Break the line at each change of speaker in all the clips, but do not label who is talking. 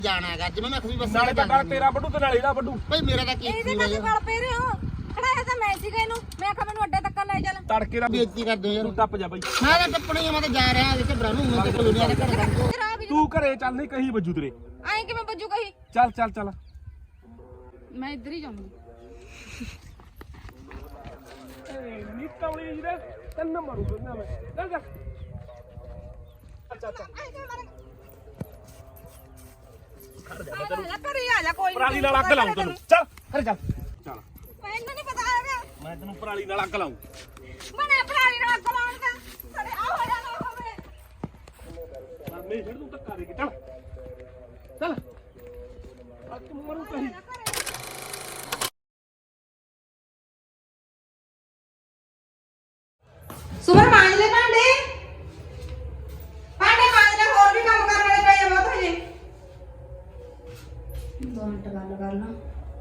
ਜਾਣਾ ਹੈਗਾ ਜਿਵੇਂ ਮੈਂ ਖੁਦ ਬਸ
ਨਾਲੇ ਤਾਂ ਗੱਲ ਤੇਰਾ ਵੱਡੂ ਤੇ ਨਾਲੇ ਇਹਦਾ ਵੱਡੂ
ਭਾਈ ਮੇਰਾ ਤਾਂ ਕੀ
ਇਹਦੇ ਨਾਲ ਗਲ ਪੈ ਰਹੇ ਹੋ ਖੜਾਇਆ ਤਾਂ ਮੈਂ ਸੀਗਾ ਇਹਨੂੰ ਮੈਂ ਕਿਹਾ ਮੈਨੂੰ ਅੱਡੇ ਤੱਕ ਲੈ ਚੱਲ
ਤੜਕੇ ਦਾ
ਬੇਇੱਜ਼ਤੀ ਕਰਦੇ ਯਾਰ
ਤੂੰ ਟੱਪ ਜਾ ਬਾਈ
ਮੈਂ ਤਾਂ ਟੱਪਣੀ ਆ ਮੈਂ ਤਾਂ ਜਾ ਰਿਹਾ ਜਿੱਥੇ ਬਰਾਨੂ ਮੈਂ ਤਾਂ ਕਲੋਨੀਆਂ ਦੇ ਘਰ ਦਾ
ਤੂੰ ਘਰੇ ਚੱਲ ਨਹੀਂ ਕਹੀਂ ਵੱਜੂ ਤੇਰੇ
ਐਂ ਕਿਵੇਂ ਬੱਜੂ ਕਹੀ
ਚੱਲ ਚੱਲ ਚੱਲ
ਮੈਂ ਇੱਧਰ ਹੀ ਜਾਊਂਗੀ
ਨੀ ਕੌਲੀ ਜੀ ਦੇ ਤੈਨ ਮਾਰੂ ਬੰਨਾ ਮੈਂ ਚੱਲ ਜਾ ਅੱਛਾ
ਘਰੇ ਆ ਜਾ ਕੋਈ
ਪਰਾਲੀ ਨਾਲ ਅੱਗ ਲਾਉਂ ਤੈਨੂੰ ਚੱਲ ਘਰੇ ਚੱਲ ਚੱਲ
ਮੈਨੂੰ ਨਹੀਂ ਪਤਾ ਹੈਗਾ
ਮੈਂ ਤੈਨੂੰ ਪਰਾਲੀ ਨਾਲ ਅੱਗ ਲਾਉਂ
ਮਨੇ ਪਰਾਲੀ ਨਾਲ ਅੱਗ ਲਾਉਣ ਦਾ ਸਾਡੇ ਆ ਹੋ ਜਾਣਾ ਹੋਵੇ
ਮੈਂ ਛੱਡ ਤੂੰ ਧੱਕਾ ਦੇ ਕੇ ਚੱਲ ਚੱਲ ਆ ਤੂੰ ਮਰੂ ਕਹੀਂ
ਸੁਮਰ ਮਾਂਜ ਲੈ ਭਾਂਡੇ ਮਾਂਜ ਲੈ ਹੋਰ ਵੀ ਕੰਮ ਕਰਨ ਵਾਲੇ ਪਏ ਆ ਬਹੁਤ ਹਜੇ 2 ਮਿੰਟ ਗੱਲ ਕਰ ਲਾਂ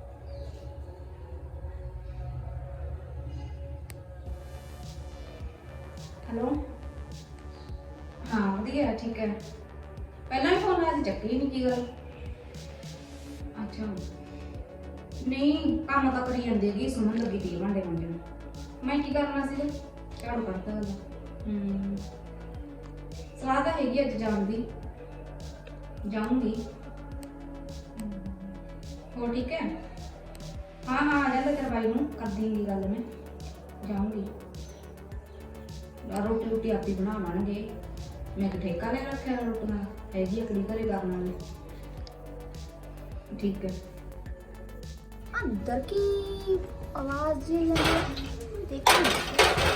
ਹੈਲੋ ਹਾਂ ਵਧੀਆ ਠੀਕ ਹੈ ਪਹਿਲਾਂ ਵੀ ਫੋਨ ਆਇਆ ਸੀ ਚੱਕੀ ਨਹੀਂ ਕੀ ਗੱਲ ਅੱਛਾ ਨਹੀਂ ਕੰਮ ਤਾਂ ਕਰੀ ਜਾਂਦੀ ਹੈਗੀ ਸੁਣਨ ਲੱਗੀ ਤੀ ਭਾਂਡੇ ਮਾਂਜਣ ਨੂੰ ਮੈਂ ਕੀ ਕਰਨਾ ਸੀਗਾ ਝਾੜੂ ਕੱਢਦਾ ਹੈਗਾ ਸਲਾਹ ਤਾਂ ਹੈਗੀ ਅੱਜ ਜਾਣ ਦੀ ਜਾਊਂਗੀ ਹੋਰ ਠੀਕ ਹੈ ਹਾਂ ਆ ਜਾਂਦਾ ਤੇਰੇ ਬਾਈ ਨੂੰ ਕਰ ਦੇਂਗੀ ਗੱਲ ਮੈਂ ਜਾਊਂਗੀ ਰੋਟੀ ਰੋਟੀ ਆਪੀ ਬਣਾਵਾਂਗੇ ਮੈਂ ਤਾਂ ਠੇਕਾ ਲੈ ਰੱਖਿਆ ਰੋਟੀਆਂ ਹੈਗੀ ਅਕੜੀ ਘਰੇ ਕਰਨ ਵਾਲੀ ठीक है
अंदर की आवाज ये लग रही देखिए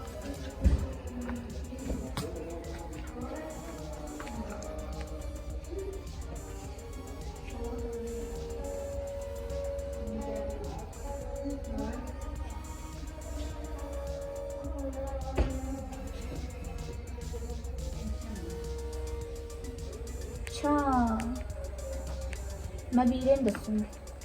अच्छा मैं वीरे ने दसूंगी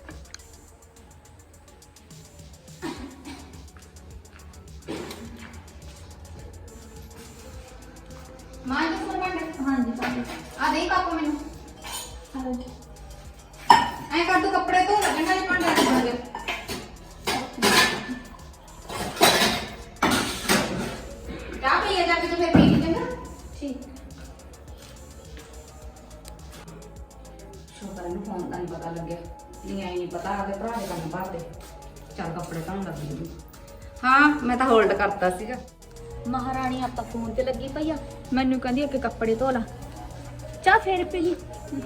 मां जी सुमर भांडे
हाँ जी हाँ जी
आ दे काको मैनू
हाँ
ऐ कर दो कपड़े धो लगन वाले भांडे रख दे क्या पी है जाके तो फिर पी लेंगे
ठीक
ਸ਼ੁਕਰ ਨੂੰ ਫੋਨ ਦਾ ਨਹੀਂ ਪਤਾ ਲੱਗਿਆ ਨਹੀਂ ਆਈ ਨਹੀਂ ਪਤਾ ਆਦੇ ਭਰਾ ਦੇ ਕੰਮ ਭਰਦੇ ਚੱਲ ਕੱਪੜੇ ਧੋਣ ਲੱਗੀ ਹਾਂ ਮੈਂ ਤਾਂ ਹੋਲਡ ਕਰਤਾ ਸੀਗਾ
महारानी आप फोन ते लगी पई आ मैनू कहंदी अगे कपड़े धो ला चाह फिर पी ली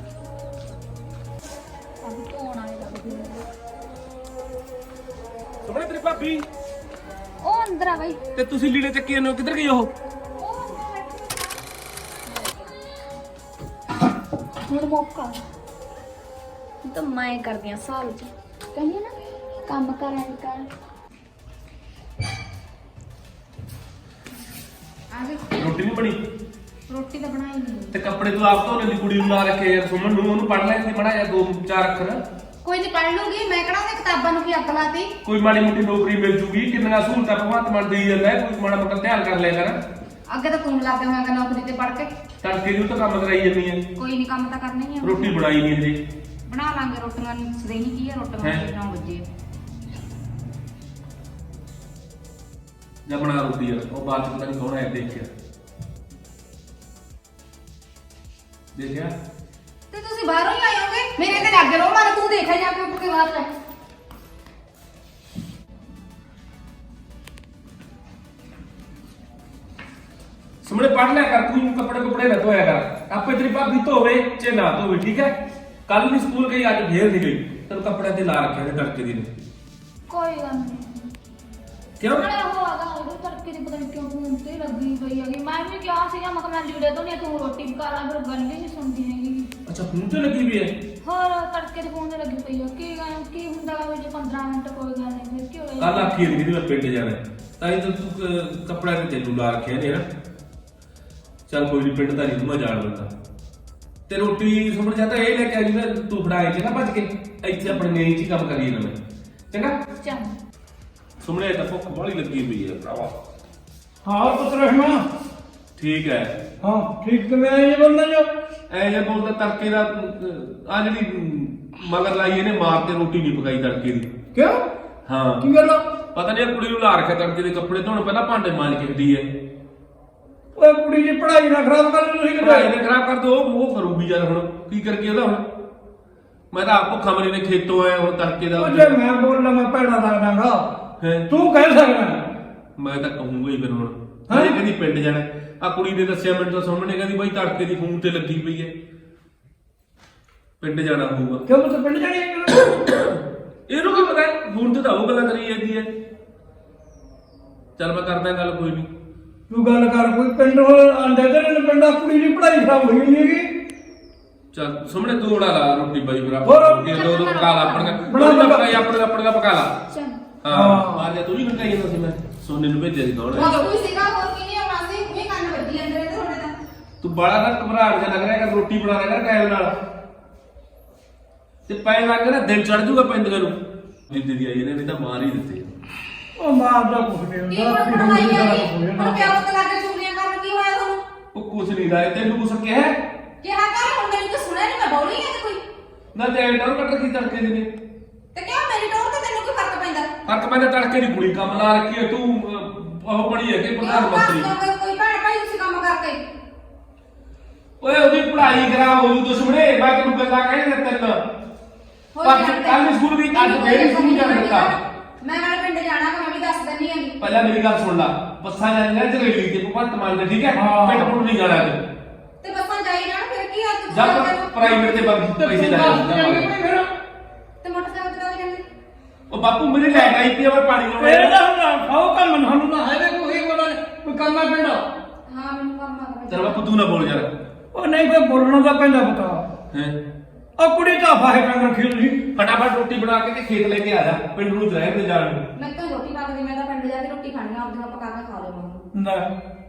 अभी धोण आए लगदी
ਸੁਣੇ ਤੇਰੀ ਭਾਬੀ
ओ अंदर आ भाई
ਤੇ ਤੁਸੀਂ ਲੀੜੇ ਚੱਕੀ ਜਾਂਦੇ ਹੋ ਕਿੱਧਰ ਗਈ ਉਹ
ਹੁਣ ਮੌਕਾ तो मैं कर दिया साल च कहिए ना काम कर
ਆ ਗਈ
ਰੋਟੀ ਨਹੀਂ ਬਣੀ
ਰੋਟੀ ਤਾਂ ਬਣਾਈ ਨਹੀਂ
ਤੇ ਕੱਪੜੇ ਤੂੰ ਆਪ ਧੋਣੇ ਦੀ ਕੁੜੀ ਨੂੰ ਲਾ ਰੱਖੇ ਯਾਰ ਸੁਮਨ ਨੂੰ ਉਹਨੂੰ ਪੜ ਲੈ ਸੀ ਬਣਾ ਯਾਰ 2-4 ਅੱਖਰ
ਕੋਈ ਨਹੀਂ ਪੜ ਲੂਗੀ ਮੈਂ ਕਿਹੜਾ ਉਹਨੇ ਕਿਤਾਬਾਂ ਨੂੰ ਕੀ ਅੱਗ ਲਾਤੀ
ਕੋਈ ਮਾੜੀ ਮੋਟੀ ਨੌਕਰੀ ਮਿਲ ਜੂਗੀ ਕਿੰਨੀਆਂ ਸਹੂਲਤਾਂ ਭਗਵੰਤ ਮਾਨ ਦੇਈ ਜਾਂਦਾ ਹੈ ਕੋਈ ਮਾੜਾ ਮੋਟਾ ਧਿਆਨ ਕਰ ਲਿਆ ਕਰ
ਅੱਗੇ ਤਾਂ ਤੂੰ ਲੱਗ ਗਿਆ ਹੋਵੇਂਗਾ ਨੌਕਰੀ ਤੇ ਪੜ ਕੇ
ਤੜਕੇ ਨੂੰ ਤਾਂ ਕੰਮ ਕਰਾਈ ਜਾਂਦੀ ਹੈ
ਕੋਈ ਨਹੀਂ ਕੰਮ ਤਾਂ ਕਰਨਾ ਹੀ ਆ
ਰੋਟੀ ਬਣਾਈ ਨਹੀਂ ਹਜੇ
ਬਣਾ ਲਾਂਗੇ ਰੋਟੀਆਂ ਸਦੇਨੀ ਕੀ ਆ ਰੋਟੀਆਂ
ਹੈਂ?
9 ਵਜੇ
ਜਾਂ ਬਣਾ ਰੋਟੀ ਯਾਰ ਉਹ ਬਾਅਦ ਚ ਪਤਾ ਨਹੀਂ ਕੌਣ ਆਇਆ ਦੇਖਿਆ
ਤੇ ਤੁਸੀਂ ਬਾਹਰੋਂ ਹੀ ਆਏ ਹੋਗੇ ਮੇਰੇ ਤੇ ਲੱਗ ਰਹੋ ਮਨ ਤੂੰ ਦੇਖਿਆ ਜਾ ਕੇ ਉੱਠ ਕੇ ਬਾਹਰ ਲੈ
ਸੁਮਣੇ ਪੜ ਲਿਆ ਕਰ ਤੂੰ ਕੱਪੜੇ ਨਾ ਧੋਇਆ ਕਰ ਆਪੇ ਤੇਰੀ ਭਾਬੀ ਧੋਵੇ ਚੇ ਨਾ ਧੋਵੇ ਠੀਕ ਹੈ ਕੱਲ ਨੂੰ ਸਕੂਲ ਗਈ ਅੱਜ ਫੇਰ ਨਹੀਂ ਗਈ ਤੈਨੂੰ ਕੱਪੜੇ ਤੇ ਲਾ ਰੱਖਿਆ ਨੇ ਤੜਕੇ ਦੀ ਨੇ
कोई गल नहीं
ਕਿਉਂ
अरे वो आगा वो तड़के दी पता नहीं क्यों फोन ते लगी पई है मैं भी क्या सीगा मैं मैं लीड़े तो नहीं तू रोटी पका ला फिर गल भी नहीं सुनदी हैगी
ਅੱਛਾ ਫੋਨ ਤੇ ਲੱਗੀ ਵੀ ਹੈ
ਹੋਰ ਤੜਕੇ ਦੇ ਫੋਨ ਤੇ ਲੱਗੀ ਪਈ ਆ ਕੀ ਹੁੰਦਾ ਵਾ ਜੇ 15 ਮਿੰਟ ਕੋਈ ਗੱਲ ਨਹੀਂ ਫਿਰ ਕੀ ਹੋਇਆ
ਕੱਲ ਆਖੀ ਨਹੀਂ ਕਿ ਮੈਂ ਪਿੰਡ ਜਾਣਾ ਤਾਂ ਇਹ ਤੂੰ ਕੱਪੜਾ ਤੇ ਤੈਨੂੰ ਲਾ ਰੱਖਿਆ ਨੇ ਨਾ ਚੱਲ ਕੋਈ ਨਹੀਂ ਪਿੰਡ ਦਾ ਨਹੀਂ ਮੈਂ ਜਾਣ ਦਿੰਦਾ ਤੇ ਰੋਟੀ ਸੁਣ ਜਾਂਦਾ ਇਹ ਲੈ ਕੇ ਆ ਜੀ ਮੈਂ ਤੂੰ ਫੜਾਏ ਚ ਨਾ ਭੱਜ ਕੇ ਇੱਥੇ ਆਪਣੇ ਮੇਰੀ ਚ ਹੀ ਕੰਮ ਕਰੀਏ ਨਾ ਮੈਂ ਚੰਗਾ
ਚੰਗਾ
ਸੁਮਣੇ ਤਾਂ ਭੁੱਖ ਬੜੀ ਲੱਗੀ ਪਈ ਹੈ ਭਰਾਵਾ
हाँ पुत्र रहमान
ठीक है
हाँ ठीक तो मैं ये बोलना जो
ਐ ਜੇ ਬੋਲਦਾ ਤੜਕੇ ਦਾ ਆ ਜਿਹੜੀ ਮਗਰ ਲਾਈ ਇਹਨੇ ਮਾਰ ਕੇ ਰੋਟੀ ਨਹੀਂ ਪਕਾਈ ਤੜਕੇ ਦੀ।
ਕਿਉਂ
ਹਾਂ
ਕੀ ਗੱਲ ਆ?
ਪਤਾ ਨਹੀਂ ਕੁੜੀ ਨੂੰ ਲਾ ਰੱਖਿਆ ਤੜਕੇ ਦੇ ਕੱਪੜੇ ਧੋਣ, ਪਹਿਲਾਂ ਭਾਂਡੇ ਮਾਂਜ ਕੇ ਹਟੀ ਐ।
ਓਏ ਕੁੜੀ ਦੀ ਪੜ੍ਹਾਈ ਨਾ ਖਰਾਬ ਕਰ ਤੁਸੀਂ
ਪੜ੍ਹਾਈ
ਕਿਤੇ।
ਨੇ ਖਰਾਬ ਕਰ ਦੋ, ਉਹ ਕਰੂਗੀ ਯਾਰ ਹੁਣ ਕੀ ਕਰਕੇ ਉਹਦਾ ਹੁਣ। ਮੈਂ ਤਾਂ ਆਪ ਭੁੱਖਾ ਮਰੀ ਨੇ ਖੇਤੋਂ ਆਇਆ ਹੁਣ ਤੜਕੇ ਦਾ।
ਉਹ ਜੇ ਮੈਂ ਬੋਲਣਾ ਮੈਂ ਭੈੜਾ ਲੱਗਦਾਗਾ,
ਹੈਂ?
ਤੂੰ ਕਹਿ ਸਕਦਾ।
ਮੈਂ ਤਾਂ ਕਹੂੰਗਾ ਹੀ ਫਿਰ ਹੁਣ।
ਹੈਂ?
ਇਹ ਕਹਿੰਦੀ ਪਿੰਡ ਜਾਣਾ, ਆ ਕੁੜੀ ਨੇ ਦੱਸਿਆ ਮੈਨੂੰ ਤਾਂ ਸਾਹਮਣੇ, ਕਹਿੰਦੀ ਬਾਈ ਤੜਕੇ ਦੀ ਫੋਨ ਤੇ ਲੱਗੀ ਪਈ ਐ, ਪਿੰਡ ਜਾਣਾ ਹੋਊਗਾ।
ਕਿਉਂ ਤੂੰ ਪਿੰਡ ਜਾਣੀ ਹੈ?
ਇਹਨੂੰ ਕੀ ਪਤਾ ਫੋਨ ਤੇ ਤਾਂ ਉਹ ਗੱਲਾਂ ਕਰੀ ਜਾਂਦੀ ਐ। ਚੱਲ ਮੈਂ ਕਰਦਾ ਗੱਲ, ਕੋਈ ਨਹੀਂ।
ਤੂੰ ਗੱਲ ਕਰ, ਕੋਈ ਪਿੰਡ ਆਂਦੇ ਤੇ ਨੇ ਪਿੰਡਾ ਕੁੜੀ ਦੀ ਪੜ੍ਹਾਈ ਖਰਾਬ ਹੋਈ ਨਹੀਂ ਹੈਗੀ।
ਚੱਲ ਸਾਹਮਣੇ ਤੂੰ ਬਣਾ ਲਾ ਰੋਟੀ ਬਾਈ
ਹੋਰ?
ਬਰਾਬਰ ਕੇ ਦੋ ਪਕਾ ਲਾ ਆਪਣਾ ਪਕਾਈ ਆਪਣਾ ਪਕਾ ਲਾ।
ਚਲ
ਹਾਂ ਮਾਰ ਜਾ, ਤੂੰ ਹੀ ਖੜਕਾਈ ਜਾਂਦਾ ਸੀ। ਮੈਂ ਸੋਨੇ ਨੂੰ ਭੇਜਿਆ ਸੀ ਕੌਣ
ਉਹ ਕੋਈ ਸੀਗਾ ਹੋਰ ਕੀ ਨਹੀਂ ਆਉਣਾ ਸੀ, ਵੀ ਕੰਨ ਵੱਜੀ ਅੰਦਰ ਤੇ ਤੁਹਾਡੇ ਦਾ।
ਤੂੰ ਬੜਾ ਨਾ ਘਬਰਾਹਟ ਜਿਹਾ ਲੱਗ ਰਿਹਾ ਕਿ ਰੋਟੀ ਬਣਾ ਰਿਹਾ ਕਰ ਟਾਈਮ ਨਾਲ, ਤੇ ਪੈਣ ਲੱਗ ਗਿਆ ਨਾ ਦਿਨ ਚੜ ਜੂਗਾ ਪੈਂਦੀਆਂ ਨੂੰ। ਜਿੱਦੇ ਦੀ ਆਈ ਇਹਨੇ ਨਹੀਂ ਤਾਂ ਮਾਰ ਹੀ ਦਿੱਤੇ।
ਉਹ ਮਾਰਦਾ ਕੁਛ ਨਹੀਂ
ਕੀ
ਹੁੰਦਾ।
ਹੁਣ ਪੜਾਈ ਹੈਗੀ ਹੁਣ ਪਿਓ ਤੋਂ ਲਾ ਕੇ ਚੁਗਲੀਆਂ ਕਰਨ ਕੀ ਹੋਇਆ ਤੁਹਾਨੂੰ?
ਉਹ ਕੁਛ ਨਹੀਂ ਲਾਇਆ ਤੈਨੂੰ ਕੁਛ ਕਿਹਾ
ਕਿਹਾ ਕਰ, ਹੁਣ ਮੈਨੂੰ ਤਾਂ ਸੁਣਿਆ ਨਹੀਂ, ਮੈਂ ਬੋਲੀ ਹੈ ਤੇ ਕੋਈ।
ਨਾ ਤੇ ਐਡਰ ਕੱਟ ਕੀ ਤੜਕੇ ਦੇ ਨੇ।
ਤੇ ਕਿਉਂ ਮੇਰੀ ਟੋਰ ਤੇ ਤੈਨੂੰ ਕੀ ਫਰਕ ਪੈਂਦਾ?
ਫਰਕ ਪੈਂਦਾ ਤੜਕੇ ਦੀ ਕੁੜੀ ਕੰਮ ਲਾ ਰੱਖੀ ਹੈ ਤੂੰ। ਉਹ ਬਣੀ ਹੈ ਕਿ ਪ੍ਰਧਾਨ
ਕਿਉਂ
ਮੰਤਰੀ।
ਕਰ ਕੋਈ ਭੈਣ ਭਾਈ ਤੁਸੀਂ ਕੰਮ ਕਰਕੇ।
ਓਏ ਉਹਦੀ ਪੜ੍ਹਾਈ ਖਰਾਬ ਹੋ ਜੂ ਦੁਸ਼ਮਣੇ। ਮੈਂ ਤੈਨੂੰ ਗੱਲਾਂ ਕਹਿੰਦਾ ਤੈਨੂੰ ਕੱਲ ਸਕੂਲ ਵੀ ਅੱਜ ਫੇਰ ਸਕੂਲ ਜਾਣਾ ਦਿੱਤਾ।
ਮੈਂ ਨਾਲੇ ਪਿੰਡ ਜਾਣਾ ਕਿ ਮੈਂ ਵੀ ਦੱਸ ਦਿੰਨੀ ਹੈਗੀ।
ਪਹਿਲਾਂ ਮੇਰੀ ਗੱਲ ਸੁਣ ਲਾ, ਬੱਸਾਂ ਜਾਂਦੀਆਂ ਜਰੇਲੀ ਤੇ ਭਗਵੰਤ ਮਾਨ ਦੇ, ਠੀਕ ਹੈ?
ਹਾਂ।
ਪਿੰਡ ਪੁੰਡ ਨਹੀਂ ਜਾਣਾ ਅੱਜ।
ਤੇ ਬੱਸਾਂ ਜਾਈ ਜਾਣ ਫਿਰ ਕੀ ਆ ਤੂੰ
ਜਦ ਪ੍ਰਾਈਵੇਟ ਤੇ ਪੈਸੇ ਲੈ ਜਾਵਾਂਗੇ।
ਤੇ ਮੋਟਰਸਾਈਕਲ ਤੇ ਜਾਂਦੇ।
ਉਹ ਬਾਪੂ ਮੇਰੀ ਲਾਈਟ ਆਈ ਪਈ ਆ, ਮੈਂ ਪਾਣੀ
ਇਹ
ਲਾਉਣਾ।
ਤਾਂ ਹੁਣ ਖਾਓ ਕੰਮ ਸਾਨੂੰ ਤਾਂ ਹੈ ਕੋਈ ਕੋਈ ਕੰਮ ਆ ਪਿੰਡ।
ਹਾਂ ਮੈਨੂੰ ਕੰਮ ਆ।
ਚਲ ਬਾਪੂ ਤੂੰ ਨਾ ਬੋਲ ਯਾਰ।
ਉਹ ਨਹੀਂ ਕੋਈ ਬੋਲਣਾ ਤਾਂ ਪੈਂਦਾ ਪਤਾ।
ਹੈ
ਉਹ ਕੁੜੀ ਤਾਂ ਫਾਹੇ ਕੰਨ ਰੱਖੀ ਤੁਸੀਂ।
ਫਟਾਫਟ ਰੋਟੀ ਬਣਾ ਕੇ ਤੇ ਖੇਤ ਲੈ ਕੇ ਆ ਜਾ, ਪਿੰਡ ਨੂੰ ਜਾਏ ਤੇ ਜਾਣ ਨੂੰ।
ਮੈਂ ਤਾਂ ਰੋਟੀ ਪੱਕਦੀ, ਮੈਂ ਤਾਂ ਪਿੰਡ ਜਾ ਕੇ ਰੋਟੀ ਖਾਣੀ ਆ, ਆਪਦੀਆਂ ਪਕਾ ਕੇ ਖਾ ਲਵਾਂਗੀ।
ਨਾ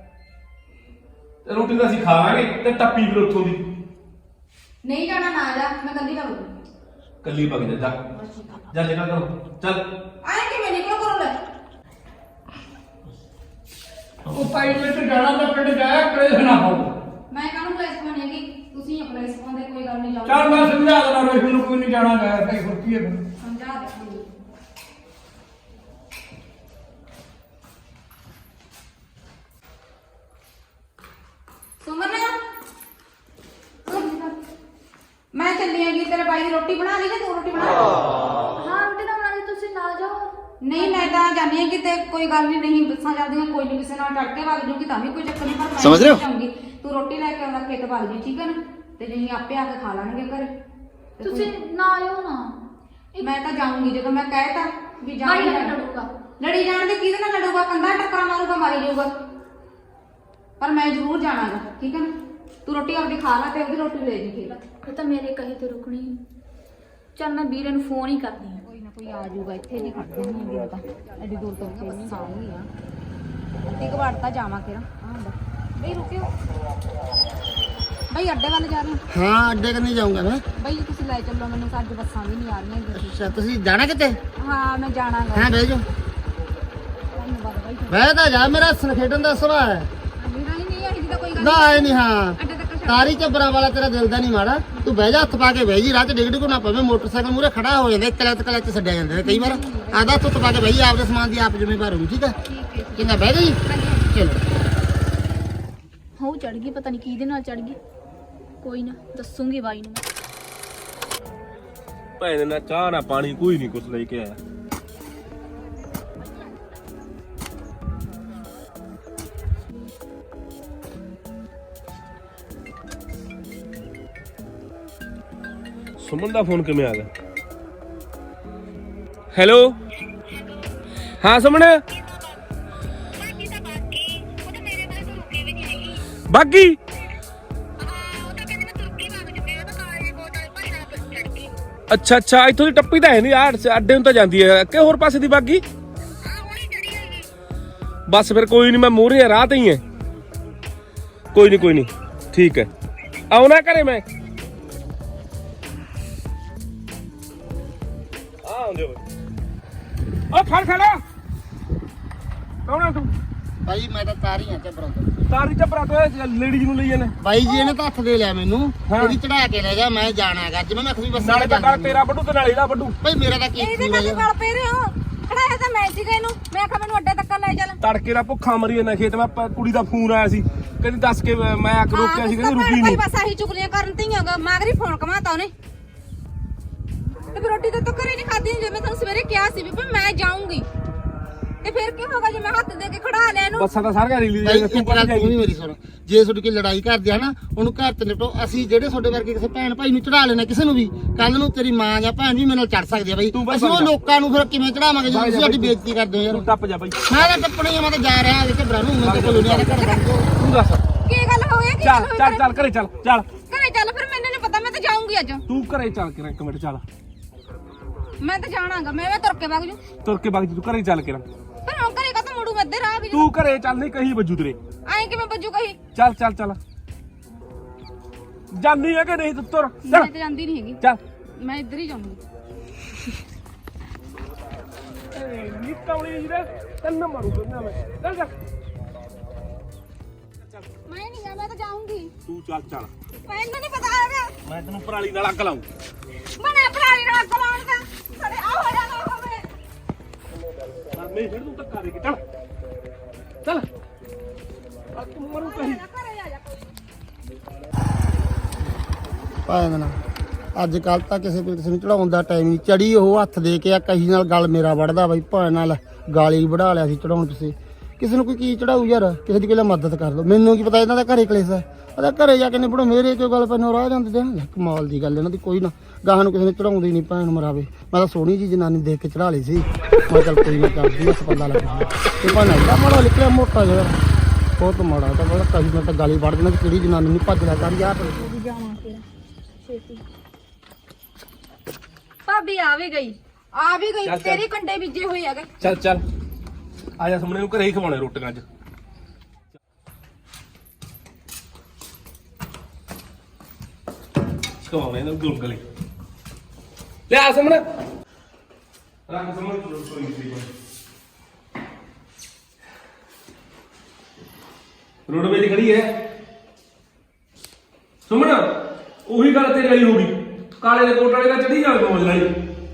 ਤੇ ਰੋਟੀ ਤਾਂ ਅਸੀਂ ਖਾਵਾਂਗੇ ਤੇ ਟੱਪੀ ਫਿਰ ਉੱਥੋਂ ਦੀ
ਨਹੀਂ ਜਾਣਾ ਨਾ ਜਾ, ਮੈਂ ਕੱਲੀ ਨਾ ਬੋਲੂ।
ਕੱਲੀ ਵਗ ਜਾ। ਜਾ ਨਿਕਲ ਕਰੋ ਚੱਲ।
ਆਏ ਕਿਵੇਂ ਨਿਕਲੋ ਕਰੋ ਲੈ।
ਉਹ ਪਾਈ ਵਿੱਚ ਜਾਣਾ ਤਾਂ ਪਿੰਡ ਜਾਇਆ ਕਲੇਸ਼ ਨਾ ਹੋ।
ਮੈਂ ਕਾਹਨੂੰ ਕਲੇਸ਼ ਪਾਉਣੀ ਹੈਗੀ, ਤੁਸੀਂ ਆਪਣੇ ਕਲੇਸ਼ ਪਾਉਂਦੇ, ਕੋਈ ਗੱਲ ਨਹੀਂ।
ਚੱਲ ਮੈਂ ਸਮਝਾ ਦੇਣਾ ਰੋਹਿਤ ਨੂੰ, ਕੋਈ ਨਹੀਂ ਜਾਣਾ ਜਾਇਆ ਭਾਈ, ਹੋਰ ਕੀ ਹੈ ਫਿਰ।
ਸਮਝਾ ਦੇ ਮੈਨੂੰ। ਸੁਮਨ ਮੈਂ ਚੱਲੀ ਆਂਗੀ, ਤੇਰੇ ਬਾਈ ਦੀ ਰੋਟੀ ਬਣਾ ਲਈ ਜਾਂ ਤੂੰ ਰੋਟੀ ਬਣਾ ਲਈ?
ਹਾਂ ਰੋਟੀ ਤਾਂ ਬਣਾ ਲਈ, ਤੁਸੀਂ ਨਾਲ ਜਾਓ।
ਨਹੀਂ ਮੈਂ ਤਾਂ ਜਾਣੀ ਆ ਕਿ ਤੇ ਕੋਈ ਗੱਲ ਨਹੀਂ ਬੱਸਾਂ ਚੱਲਦੀਆਂ, ਕੋਈ ਨਹੀਂ ਕਿਸੇ ਨਾਲ ਟੱਕ ਕੇ ਵਗ ਜੂਗੀ ਤਾਂ ਵੀ ਕੋਈ ਚੱਕਰ ਨਹੀਂ। ਪਰ ਮੈਂ
ਸਮਝ ਰਹੇ ਹੋ?
ਜਾਊਂਗੀ, ਤੂੰ ਰੋਟੀ ਲੈ ਕੇ ਆਉਂਦਾ ਖੇਤ ਵਗ ਜੀ, ਠੀਕ ਹੈ ਨਾ? ਤੇ ਜਿਹੀਂ ਆਪੇ ਆ ਕੇ ਖਾ ਲਾਂਗੇ ਘਰੇ। ਤੇ
ਤੁਸੀਂ ਨਾ ਆਇਓ ਨਾ।
ਮੈਂ ਤਾਂ ਜਾਊਂਗੀ ਜਦੋਂ ਮੈਂ ਕਹਿਤਾ ਵੀ
ਬਾਈ ਨਾਲ
ਜਾਣਾ।
ਲੜੂਗਾ।
ਲੜੀ ਜਾਣ ਦੇ ਕਿਹਦੇ ਨਾਲ ਲੜੂਗਾ? ਕੰਧਾ ਟੱਕਰਾ ਮਾਰੂਗਾ, ਮਾਰੀ ਜਾਊਗਾ। ਪਰ ਮੈਂ ਜ਼ਰੂਰ ਜਾਣਾਗਾ, ਠੀਕ ਹੈ ਨਾ? ਤੂੰ ਰੋਟੀ ਆਪਣੀ ਖਾ ਲੈ ਤੇ ਉਹਦੀ ਰੋਟੀ ਲੈ ਜੀ ਖੇਤ।
ਇਹ ਤਾਂ ਮੇਰੇ ਕਹੇ ਤੇ ਰੁਕਣੀ। ਚੱਲ ਮੈਂ ਵੀਰੇ ਨੂੰ ਫੋਨ ਹੀ ਕਰਦੀ ਹਾਂ।
ਕੋਈ ਨਾ ਕੋਈ ਆ ਜਾਊਗਾ, ਇੱਥੇ ਨਹੀਂ ਖੜਦੇ ਨਹੀਂ ਹੈਗੇ ਤਾਂ। ਐਡੀ ਦੂਰ ਤੋਂ ਫੇਰ ਨਹੀਂ ਸਾਂਗੀ ਆ। ਅੱਧੀ ਕੁ ਵਾਰ ਤਾਂ ਜਾਵਾਂ ਕਿਰਾ। ਬਈ ਰੁਕਿਓ। ਬਈ ਅੱਡੇ ਵੱਲ ਜਾ ਰਹੇ ਹੋ?
ਹਾਂ ਅੱਡੇ ਕੰਨੀ ਜਾਊਂਗਾ ਮੈਂ।
ਬਈ ਤੁਸੀਂ ਲੈ ਚੱਲੋ ਮੈਨੂੰ, ਅੱਜ ਬੱਸਾਂ ਵੀ ਨਹੀਂ ਆ ਰਹੀਆਂ ਹੈਗੀਆਂ।
ਅੱਛਾ ਤੁਸੀਂ ਜਾਣਾ ਕਿਤੇ?
ਹਾਂ ਮੈਂ ਜਾਣਾਗਾ।
ਹਾਂ ਬਹਿ ਜਾਓ।
ਧੰਨਵਾਦ ਬਾਈ।
ਬਹਿ ਤਾਂ ਜਾ, ਮੇਰਾ ਖੇਡਣ ਦਾ ਸੁਭਾਅ ਹੈ।
ਮੇਰਾ ਹੀ ਨਹੀਂ ਹੈ ਜਿਹਦਾ ਕੋਈ ਗੱਲ
ਨਾ ਆਏ ਨਹੀਂ। ਹਾਂ
ਅੱਡੇ ਤੱਕ ਛੱਡ।
ਤਾਰੀ ਚੱਬਰਾਂ ਵਾਲਾ ਤੇਰਾ ਦਿਲ ਦਾ ਨਹੀਂ ਮਾੜਾ। ਤੂੰ ਬਹਿ ਜਾ, ਹੱਥ ਪਾ ਕੇ ਬਹਿ ਜੀ, ਰਾਹ 'ਚ ਡਿੱਗ ਡਿੱਗੂ ਨਾ ਪਵੇ। ਮੋਟਰਸਾਈਕਲ ਮੂਰੇ ਖੜਾ ਹੋ ਜਾਂਦਾ, ਕਲਚ ਛੱਡਿਆ ਜਾਂਦਾ ਨੇ ਕਈ ਵਾਰ। ਆਦਾ ਹੱਥ ਪਾ ਕੇ ਬਹਿ ਜੀ, ਆਪਦੇ ਸਮਾਨ ਦੀ ਆਪ ਜ਼ਿੰਮੇਵਾਰ ਹੋਊ, ਠੀਕ ਹੈ? ਕਿੰਨਾ ਬਹਿ ਗਈ? ਚਲੋ
ਹੋ ਚੜ ਗਈ, ਪਤਾ ਨਹੀਂ ਕਿਹਦੇ ਨਾਲ ਚੜ ਗਈ। ਕੋਈ ਨਾ ਦੱਸੂਗੀ ਬਾਈ ਨੂੰ।
ਭੈਣ ਨਾ ਚਾਹ ਨਾ ਪਾਣੀ ਕੋਈ ਨਹੀਂ ਕੁਛ ਲੈ ਕੇ ਆਇਆ। ਸੁਮਨ ਦਾ ਫੋਨ ਕਿਵੇਂ ਆ ਗਿਆ? ਹੈਲੋ ਹਾਂ ਸੁਮਨ। ਬਾਗੀ ਅੱਛਾ ਅੱਛਾ, ਇੱਥੋਂ ਦੀ ਟੱਪੀ ਤਾਂ ਹੈ ਨਹੀਂ ਯਾਰ, ਅੱਡੇ ਨੂੰ ਤਾਂ ਜਾਂਦੀ ਹੈ ਕਿ ਹੋਰ ਪਾਸੇ ਦੀ ਬਾਗੀ? ਬਸ ਫਿਰ ਕੋਈ ਨਹੀਂ, ਮੈਂ ਮੂਹਰੇ ਰਾਹ ਤੇ ਹੀ ਹੈ। ਕੋਈ ਨਹੀਂ ਠੀਕ ਹੈ, ਆਉਣਾ ਘਰੇ ਮੈਂ। ਆਉਂਦੇ ਓ ਖੜ ਕੌਣ ਆ ਤੂੰ?
ਭਾਈ ਮੈਂ ਤਾਂ ਤਾਰੀ ਆ ਚੱਬਰਾਂ ਤੋਂ।
ਤਾਰੀ ਚੱਪਰਾ ਤੋਂ ਲੇਡੀਜ਼ ਨੂੰ ਲਈ ਜਾਂਦੇ
ਬਾਈ ਜੀ ਇਹਨੇ ਤਾਂ ਹੱਥ ਦੇ ਲਿਆ ਮੈਨੂੰ
ਹਾਂ।
ਇਹਦੀ ਚੜਾ ਕੇ ਲੈ ਜਾ ਮੈਂ ਜਾਣਾ ਹੈਗਾ ਜਿਵੇਂ ਮੈਂ ਖੁਸ਼ੀ ਬੱਸ
ਨਾਲੇ ਤਾਂ ਗੱਲ ਤੇਰਾ ਵੱਡੂ ਤੇ ਨਾਲੇ ਇਹਦਾ ਵੱਡੂ
ਭਾਈ ਮੇਰਾ ਤਾਂ ਕੀ
ਇਹਦੇ ਕਾਹਦੇ ਗਲ ਪੈ ਰਹੇ ਹੋ ਖੜਾਇਆ ਤਾਂ ਮੈਂ ਸੀਗਾ ਇਹਨੂੰ ਮੈਂ ਆਖਿਆ ਮੈਨੂੰ ਅੱਡੇ ਤੱਕ ਲੈ ਚੱਲ
ਤੜਕੇ ਦਾ ਭੁੱਖਾ ਮਰੀ ਜਾਂਦਾ ਖੇਤ ਮੈਂ ਕੁੜੀ ਦਾ ਫੋਨ ਆਇਆ ਸੀ ਕਹਿੰਦੀ ਦੱਸ ਕੇ ਮੈਂ ਆ ਕੇ ਰੋਕਿਆ ਸੀ ਕਹਿੰਦੀ ਰੁਕੀ ਨਹੀਂ
ਬਸ ਆਹੀ ਚੁਗਲੀਆਂ ਕਰਨ ਤੇ ਹੀ ਹੋਗਾ ਮਾਗਰੀ ਫੋਨ ਕਮਾਤਾ ਉਹਨੇ ਤੇ ਫਿਰ ਰੋਟੀ ਤਾਂ ਘਰੇ ਨਹੀਂ ਖਾਦੀ ਜੇ ਮੈਂ ਤੁਹਾਨੂੰ ਸਵੇਰੇ ਕਿਹਾ ਸੀ ਵੀ ਮੈਂ ਜਾਊਂਗੀ ਤੇ ਫਿਰ ਕੀ ਹੋਗਾ ਜੇ ਮੈਂ ਹੱਥ ਦੇ ਕੇ ਖੜਾ ਲਿਆ ਇਹਨੂੰ
ਬੱਸਾਂ ਤਾਂ ਸਾਰੀਆਂ ਰੀਲੀ
ਭਾਈ
ਤੂੰ
ਇੱਕ ਗੱਲ ਤੂੰ ਵੀ ਮੇਰੀ ਸੁਣ ਜੇ ਤੁਹਾਡੀ ਕੋਈ ਲੜਾਈ ਕਰਦੇ ਆ ਨਾ ਉਹਨੂੰ ਘਰ ਤੇ ਨਿਪਟੋ ਅਸੀਂ ਜਿਹੜੇ ਤੁਹਾਡੇ ਵਰਗੇ ਕਿਸੇ ਭੈਣ ਭਾਈ ਨੂੰ ਚੜਾ ਲੈਣਾ ਕਿਸੇ ਨੂੰ ਵੀ ਕੱਲ ਨੂੰ ਤੇਰੀ ਮਾਂ ਜਾਂ ਭੈਣ ਵੀ ਮੇਰੇ ਨਾਲ ਚੜ ਸਕਦੀ ਆ ਬਈ
ਤੂੰ ਬਸ
ਅਸੀਂ ਉਹ
ਜਾ।
ਲੋਕਾਂ ਨੂੰ ਫਿਰ ਕਿਵੇਂ ਚੜਾਵਾਂਗੇ ਜੇ ਤੁਸੀਂ ਸਾਡੀ ਬੇਇੱਜ਼ਤੀ ਕਰਦੇ ਹੋ ਯਾਰ
ਤੂੰ ਟੱਪ ਜਾ ਬਾਈ
ਮੈਂ ਤਾਂ ਟੱਪਣੀ ਆ ਮੈਂ ਤਾਂ ਜਾ ਰਿਹਾ ਇੱਥੇ ਬਰਾਨੂੰ ਮੈਂ ਤਾਂ ਕਲੋਨੀਆਂ ਦੇ ਘਰ ਬਣ
ਤੂੰ ਦੱਸ
ਕੀ ਗੱਲ ਹੋਈ ਕੀ
ਚੱਲ ਚੱਲ ਚੱਲ ਘਰੇ ਚੱਲ ਚੱਲ
ਘਰੇ ਚੱਲ ਫਿਰ ਮੈਨੂੰ ਨਹੀਂ ਪਤਾ ਮੈਂ ਤਾਂ ਜਾਊਂਗੀ ਅੱਜ
ਤੂੰ ਘਰੇ ਚੱਲ ਕੇ ਇੱਕ ਮਿੰਟ ਚੱਲ
ਮੈਂ ਤਾਂ ਜਾਣਾਗਾ ਮੈਂ ਤੁਰ ਕੇ ਵਗ ਜੂ
ਤੁਰ ਕੇ ਬਾਕੀ ਤੂੰ ਘਰੇ ਚੱਲ ਕੇ
ਫਿਰ ਹੁਣ ਘਰੇ ਕਾ ਮੁੜੂ ਮੈਂ ਅੱਧੇ ਰਾਹ ਵੀ
ਤੂੰ ਘਰੇ ਚੱਲ ਨਹੀਂ ਕਹੀ ਵੱਜੂ ਤੇਰੇ
ਐਂ ਕਿਵੇਂ ਬੱਜੂ ਕਹੀ
ਚੱਲ ਚੱਲ ਚੱਲ ਜਾਂਦੀ ਹੈ ਕਿ ਨਹੀਂ ਤੂੰ ਤੁਰ
ਮੈਂ
ਚੱਲ
ਤਾਂ ਜਾਂਦੀ ਨਹੀਂ ਹੈਗੀ
ਚੱਲ
ਮੈਂ ਇੱਧਰ ਹੀ ਜਾਊਂਗੀ
ਨਿਕੌਲੀ ਜੀ ਤੈਨੂੰ ਮਾਰੂ ਬੰਦਾ ਮੈਂ ਚੱਲ ਚੱਲ
ਮੈਂ ਨਹੀਂ ਗਾ ਮੈਂ ਤਾਂ ਜਾਊਂਗੀ
ਤੂੰ ਚੱਲ ਚੱਲ
ਮੈਨੂੰ ਨਹੀਂ ਪਤਾ ਹੈਗਾ
ਮੈਂ ਤੈਨੂੰ ਪਰਾਲੀ ਨਾਲ ਅੱਗ ਲਾਉਂ
ਬਣੇ ਪਰਾਲੀ ਨਾਲ ਅੱਗ ਲਾਉਣ ਦਾ ਸਾਡੇ ਆ ਹੋ ਜਾਣਾ ਹੋਵੇ
ਨਹੀਂ ਫਿਰ ਤੂੰ ਧੱਕਾ ਦੇ ਕੇ ਚੱਲ ਚੱਲ ਆ ਤੂੰ ਮਰੂ ਕਹੀ
ਘਰੇ ਆ ਜਾ ਕੋਈ
ਪਾਇਆ ਨਾ ਅੱਜ ਕੱਲ ਤਾਂ ਕਿਸੇ ਨੂੰ ਚੜਾਉਣ ਦਾ ਟਾਈਮ ਨਹੀਂ ਚੜੀ ਉਹ ਹੱਥ ਦੇ ਕੇ ਆ ਕਹੀ ਨਾਲ ਗਲ ਮੇਰਾ ਵੜਦਾ ਬਾਈ ਭਾਂ ਨਾਲ ਗਾਲੀ ਵੜਾ ਲਿਆ ਸੀ ਚੜਾਉਣ ਤੁਸੀਂ ਕਿਸੇ ਨੂੰ ਕੋਈ ਕੀ ਚੜਾਊ ਯਾਰ ਕਿਸੇ ਦੀ ਕੋਈ ਮਦਦ ਕਰ ਦੋ ਮੈਨੂੰ ਕੀ ਪਤਾ ਇਹਨਾਂ ਦਾ ਘਰੇ ਕਲੇਸ਼ ਹੈ ਉਹਦਾ ਘਰੇ ਜਾ ਕੇ ਨਿਬੜੋ ਮੇਰੇ ਕਿਉਂ ਗੱਲ ਪੈਨੋਂ ਰਾਹ ਜਾਂਦੇ ਜਾਂ ਕਮਾਲ ਦੀ ਗੱਲ ਇਹਨਾਂ ਦੀ ਕੋਈ ਨਾ ਗਾਹਾਂ ਨੂੰ ਕਿਸੇ ਨੇ ਚੜਾਉਂਦੀ ਨਹੀਂ ਭੈਣ ਮਰਾਵੇ ਮੈਂ ਤਾਂ ਸੋਹਣੀ ਜੀ ਜਨਾਨੀ ਦੇਖ ਕੇ ਚੜਾ ਲਈ ਸੀ ਮੈਂ ਚੱਲ ਕੋਈ ਨਾ ਕਰਦੀ ਉਸ ਪੱਲਾ ਲੱਗਾ ਤੇ ਭਾਣਾ ਇਹਦਾ ਮਾੜਾ ਨਿਕਲਿਆ ਮੋਟਾ ਜਿਹਾ ਬਹੁਤ ਮਾੜਾ ਤਾਂ ਬੜਾ ਕਹੀ ਮੈਂ ਤਾਂ ਗਾਲੀ ਵੜ ਦੇਣਾ ਕਿ ਕਿਹੜੀ ਜਨਾਨੀ ਨੂੰ ਭੱਜ ਲਿਆ ਕਰ ਯਾਰ
ਜਾਵਾਂ ਫਿਰ ਛੇਤੀ
ਭਾਬੀ ਆ ਵੀ ਗਈ
ਚੱਲ, ਚੱਲ।
ਤੇਰੇ ਕੰਡੇ ਬੀਜੇ ਹੋਏ ਹੈਗੇ
ਚੱਲ ਚੱਲ ਆ ਜਾ ਸਾਹਮਣੇ ਨੂੰ ਘਰੇ ਹੀ ਖਵਾਉਣੇ ਰੋਟੀਆਂ ਅੱਜ ਖਵਾਉਣੇ ਇਹਨਾਂ ਗੁਲਗਲੇ ਲੈ ਆ ਸਾਹਮਣੇ ਰੱਖ ਸਾਹਮਣੇ ਰਸੋਈ ਦੀ ਰੋਡ ਵੇਲੇ ਖੜੀ ਹੈ ਸੁਮਣ ਉਹੀ ਗੱਲ ਤੇਰੀ ਵਾਲੀ ਹੋ ਗਈ ਕਾਲੇ ਦੇ ਕੋਟ ਵਾਲੇ ਦਾ ਚੜੀ ਜਾਵੇ ਮੌਜ ਲਈ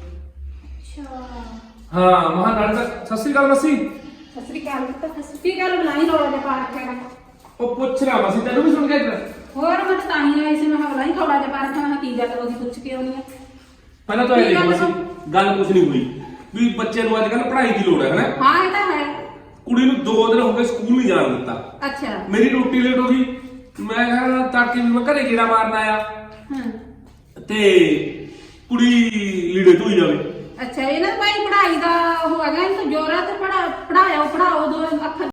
ਹਾਂ ਮਹਾਂ ਨਾਲ ਤਾਂ ਸਤਿ ਸ੍ਰੀ ਅਕਾਲ ਮਸੀ
ਸਸਰੀ ਕਾਲ ਕੀ ਗੱਲ ਬੁਲਾਈ ਰੋਲਾ ਦੇ ਪਾ ਰੱਖਿਆ
ਉਹ ਪੁੱਛ ਰਿਹਾ ਮਸੀ ਤੈਨੂੰ ਵੀ ਸੁਣ ਕੇ
ਹੋਰ ਮੈਂ ਤਾਂ ਹੀ ਆਈ ਸੀ ਮੈਂ ਹਵਲਾ ਹੀ ਥੋੜਾ ਜਿਹਾ ਪਾ ਰੱਖਿਆ ਮੈਂ ਕੀ ਗੱਲ ਹੋ ਗਈ ਪੁੱਛ ਕੇ ਆਉਣੀ ਆ
ਪਹਿਲਾਂ ਤਾਂ ਇਹ ਦੇਖੋ ਮਸੀ ਗੱਲ ਕੁਝ ਨਹੀਂ ਹੋਈ ਵੀ ਬੱਚੇ ਨੂੰ ਅੱਜ ਕੱਲ ਪੜ੍ਹਾਈ ਦੀ ਲੋੜ ਹੈ ਹਨਾ
ਹਾਂ ਇਹ ਤਾਂ ਹੈ
ਕੁੜੀ ਨੂੰ 2 ਦਿਨ ਹੋ ਗਏ ਸਕੂਲ ਨਹੀਂ ਜਾਣ ਦਿੱਤਾ
ਅੱਛਾ
ਮੇਰੀ ਰੋਟੀ ਲੇਟ ਹੋ ਗਈ ਮੈਂ ਕਿਹਾ ਤੜਕੇ ਵੀ ਮੈਂ ਘਰੇ ਗੇੜਾ ਮਾਰਨ ਆਇਆ
ਹਾਂ
ਤੇ ਕੁੜੀ ਲੀੜੇ ਧੋਈ ਜਾਵੇ
ਅੱਛਾ ਇਹਨਾਂ ਭਾਈ ਪੜ੍ਹਾਈ ਦਾ ਉਹ ਹੈਗਾ ਇਹਨੂੰ ਜ਼ੋਰ ਹੈ ਤੇ ਪੜਾਓ ਦੋ ਅੱਖਰ